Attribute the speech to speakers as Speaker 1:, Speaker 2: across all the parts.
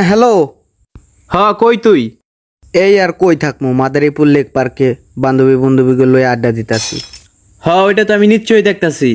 Speaker 1: Hello.
Speaker 2: হ্যাঁ কই তুই?
Speaker 1: এই আর কই থাকমু, মাদারীপুর লেক পার্কে বান্ধবীগুলো লয়ে আড্ডা দিতাছি।
Speaker 2: হ্যাঁ ওইটা তো আমি নিশ্চয়ই দেখতাছি।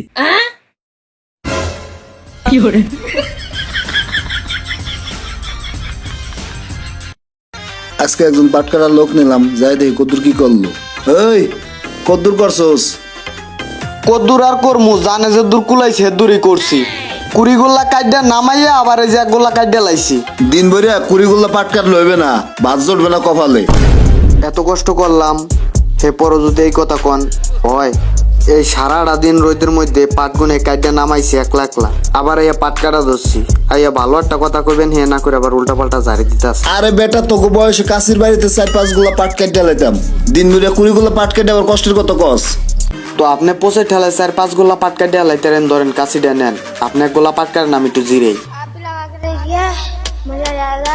Speaker 3: আজকে একজন পাটকারার লোক নিলাম, যাই দেখি কদ্দুর কি করলো। এই কদ্দুর করছোস?
Speaker 1: কদ্দুর আর করমু, জানে যে দূর কুলাইছে দূরই করছি। কুড়িগুল্লা কাইডা নামাইয়া আবার এই যে এক গোল্লা কাইডা লাইছি।
Speaker 3: দিন ভরিয়া কুড়িগুল্লা পাটকার লইবে না, ভাত জড়বে না কপালে।
Speaker 1: এত কষ্ট করলাম, হে পর যদি এই কথা কন হয়। এই সারাটা দিন রোদের মধ্যে পাট গুনে কাইডা নামাইছি একলা একলা, আবার এই পাট কাটা ধরছি। আইয়া ভালো একটা কথা কইবেন, হে না করে আবার উল্টা পাল্টা জারি দিতাছে।
Speaker 3: আরে বেটা, তোকে বয়সে কাশির বাড়িতে 4-5 গুলা পাট কেটে লাইতাম, দিন ভরিয়া কুড়িগুলা পাট কেটে আবার কষ্টের কত কস।
Speaker 1: তো আপনি পোষে ঠেলায় 4-5 গোল্লা পাট কাটিয়া লাইতেন, ধরেন কাশিটা নেন, আপনি এক গোল্লা পাট কাটেন, আমি একটু জিরেই।
Speaker 4: आप भी लगा के देखिए, मजा आ जाएगा।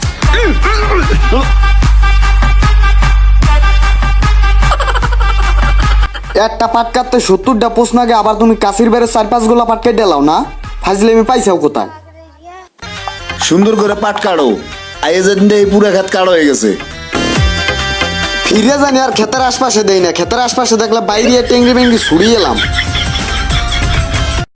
Speaker 1: একটা পাট কাটতে 70টা প্রশ্ন আগে, আবার তুমি কাশির বেড়ে 4-5 গোল্লা পাট কেটে লাও না। ফাজলে আমি পাইছাও কোথায়?
Speaker 3: সুন্দর করে পাট কাটো, আইয়ে যেদিন এই পুরা খেত কাড়ো হয়ে গেছে।
Speaker 1: ফিরে জানি আর ক্ষেতের আশপাশে দেই না, ক্ষেতের আশপাশে দেখলে বাইরে টেঙ্গি বেঙ্গি ছুড়িয়ে এলাম।